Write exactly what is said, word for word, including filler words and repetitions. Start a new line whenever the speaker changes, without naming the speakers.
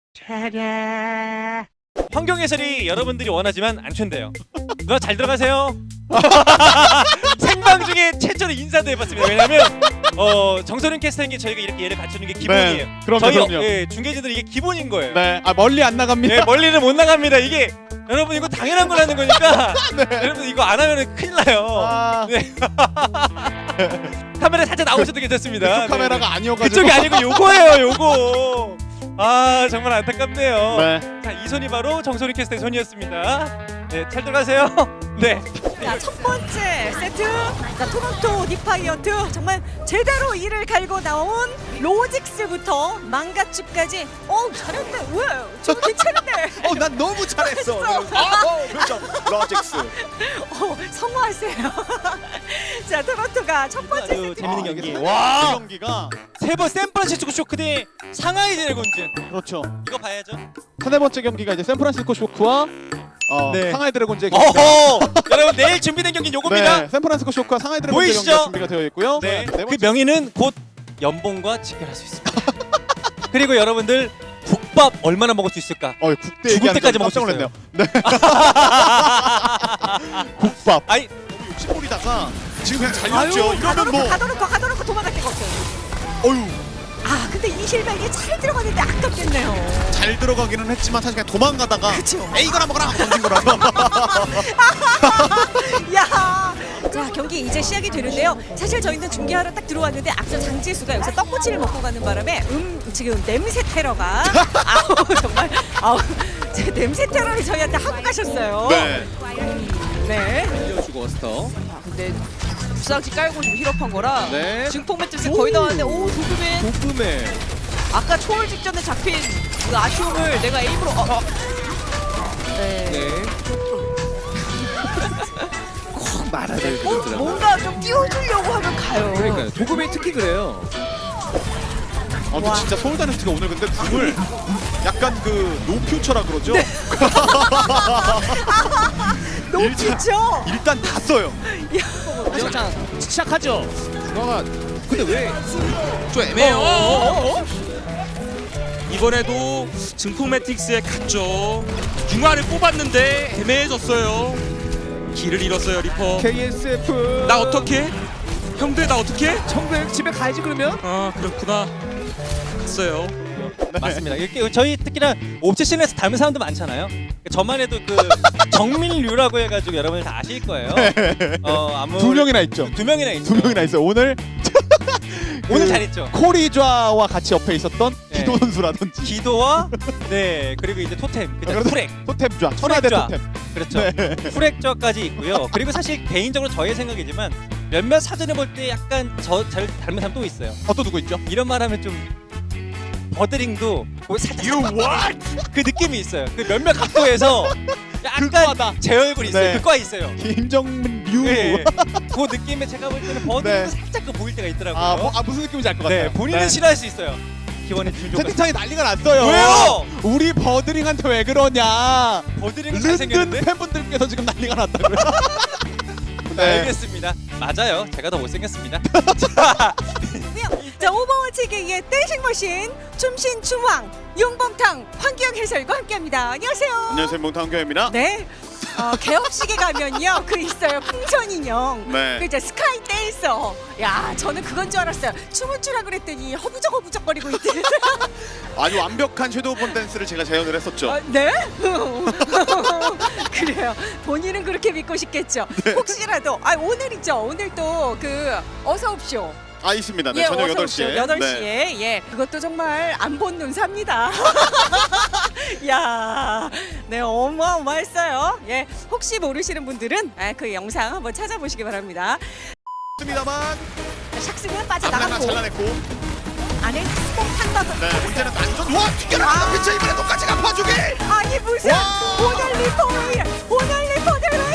차례. 환경 해설이 여러분들이 원하지만 안 된대요. 누나 잘 들어가세요. 생방 중에 최초로 인사도 해봤습니다. 왜냐면 어, 정선윤 캐스터님께 저희가 이렇게 예를 갖추는 게 기본이에요.
네, 그럼요,
저희
그럼요.
예, 중계진들 이게 기본인 거예요.
네, 아 멀리 안 나갑니다.
예, 멀리는 못 나갑니다. 이게 여러분 이거 당연한 거라는 거니까
네.
여러분 이거 안 하면 큰일 나요.
아,
네. 카메라 살짝 나오셔도 괜찮습니다.
그쪽 카메라가
네,
아니어가지고.
그쪽이 아니고 요거예요, 요거. 아 정말 안타깝네요.
네.
자, 이 손이 바로 정소리 캐스터의 손이었습니다. 네, 잘 들어가세요. 네.
자, 첫 번째 세트. 자, 토론토 디파이어트 정말 제대로 이를 갈고 나온 로직스부터 망가집까지. 어, 잘했네. 왜? 저 괜찮은데.
어, 난 너무 잘했어.
잘했어.
아, 어, 표정. 로직스.
어, 성공하세요. 자, 토론토가 첫 번째
아주
세트.
재밌는
아,
경기.
이게
와.
이 경기가
세 번 샌프란시스코 쇼크 대 상하이 드래곤즈.
그렇죠.
이거 봐야죠.
세 번째 경기가 이제 샌프란시스코 쇼크와 어,
네.
상하이 드래곤즈의 경기.
어허! 여러분 내일 준비된 경기 요겁니다.
네, 샌프란시스코 쇼크와 상하이 드래곤즈
보이시죠?
경기가 준비가 되어 있고요.
네.
네
그
번째
명의는 곧 연봉과 직결할 수 있습니다. 그리고 여러분들 국밥 얼마나 먹을 수 있을까?
어, 국대
죽을
얘기하는
때까지
거
먹을 수
깜짝 놀랐네요. 네. 국밥.
아니
너무 욕심부리다가 지금 그냥 잘
아유,
렸죠. 이러면
가둬놓고
뭐
가둬놓고 가둬놓고 도망갈 데가 없어요.
어유.
아, 근데 이 실백이 잘 들어갔는데 아깝겠네요.
잘 들어가기는 했지만 사실 그냥 도망가다가
그쵸.
에이 이거나 먹어라 던진 거라서.
야, 자 경기 이제 시작이 되는데요. 사실 저희는 중계하러 딱 들어왔는데 앞서 장지수가 여기서 떡꼬치를 먹고 가는 바람에 음 지금 냄새 테러가 아우 정말 아우 제 냄새 테러를 저희한테 하고 가셨어요.
네.
네.
알려주고 어스터.
아, 근데 부상지 깔고 좀 힐업한 거라
네.
증폭 매트리스 거의 다 왔는데 오 도금에
도금에
아까 초월 직전에 잡힌 그 아쉬움을 내가 에임으로 어, 어. 네.
네. 꼭 말아야 될
뭐,
것 같더라고요.
뭔가 좀 띄워주려고 하면 가요.
그러니까요. 도금이 특히 그래요.
아, 근데 진짜 서울 다이너스티가 오늘 근데 궁을 약간 그 노퓨처라 그러죠.
너무
일단-
좋죠.
일단 다 써요.
자 시작하죠. 중앙아. 근데 왜? 좀 애매해요.
어,
이번에도 증폭 매틱스에 갔죠. 융화를 뽑았는데 애매해졌어요. 길을 잃었어요 리퍼.
케이에스에프.
나 어떻게? 형들 나 어떻게?
청백 집에 가야지 그러면.
아 그렇구나. 갔어요.
맞습니다. 이렇게 저희 특히나 옵세션에서 닮은 사람도 많잖아요. 저만 해도 그 정민류라고 해가지고 여러분들 다 아실 거예요. 어, 아무
두 명이나 있죠.
두 명이나 있죠.
두 명이나 있어요. 오늘
오늘
그
잘했죠.
코리좌와 같이 옆에 있었던
네.
기도 선수라든지
기도와 네 그리고 이제 토템, 그다음
그래도-
프렉,
토템좌, 천하대
프렉좌.
토템.
그렇죠.
네.
프렉저까지 있고요. 그리고 사실 개인적으로 저의 생각이지만 몇몇 사전에 볼 때 약간 저 잘 닮은 사람 또 있어요.
어, 또 누구 있죠?
이런 말하면 좀 버드링도 거기 살짝 그 느낌이 있어요. 그 몇몇 각도에서
그과다.
약간 제 얼굴 있어요.
네.
그과 있어요.
김정민 류.
네. 그 느낌에 제가 볼 때는 버드링도
네.
살짝 그 보일 때가 있더라고요.
아, 뭐, 아 무슨 느낌인지 알 것 같아요.
네, 본인은
네.
싫어할 수 있어요. 기원의 준조가
채팅창이 난리가 났어요.
왜요?
우리 버드링한테 왜 그러냐?
버드링은
른든
잘생겼는데?
팬분들께서 지금 난리가 났다고요.
네. 알겠습니다. 맞아요. 제가 더 못생겼습니다.
자, 오버워치계의 댄싱 머신 춤신 춤왕 용범탕 황기영 해설과 함께합니다. 안녕하세요.
안녕하세요, 몽탕교입니다.
네. 어, 개업식에 가면요 그 있어요 풍선 인형.
네.
그 이제 스카이 댄서. 야 저는 그건 줄 알았어요. 춤을 추라 그랬더니 허부적 허부적거리고 있더라고요.
아주 완벽한 섀도우 본 댄스를 제가 재현을 했었죠.
아, 네? 그래요. 본인은 그렇게 믿고 싶겠죠.
네.
혹시라도 아 오늘이죠. 오늘 또 그 어서 옵쇼.
아, 있습니다. 네,
예,
저녁
어서
여덟
오십시오.
시에.
여덟 시에 예. 그것도 정말 안 본 눈삽니다. 야. 네, 어마어마했어요. 예. 혹시 모르시는 분들은 아, 그 영상 한번 찾아보시기 바랍니다.
있습니다만
샥스는
앞라나
빠져나갔고
잘라냈고.
안에 스폰탄 넣어서
네, 문제는 난전. 와, 튀겨라.
아.
피차 이번에 똑같이 갚아주기.
아니 무슨
와.
오늘 리포를 오늘 리포들은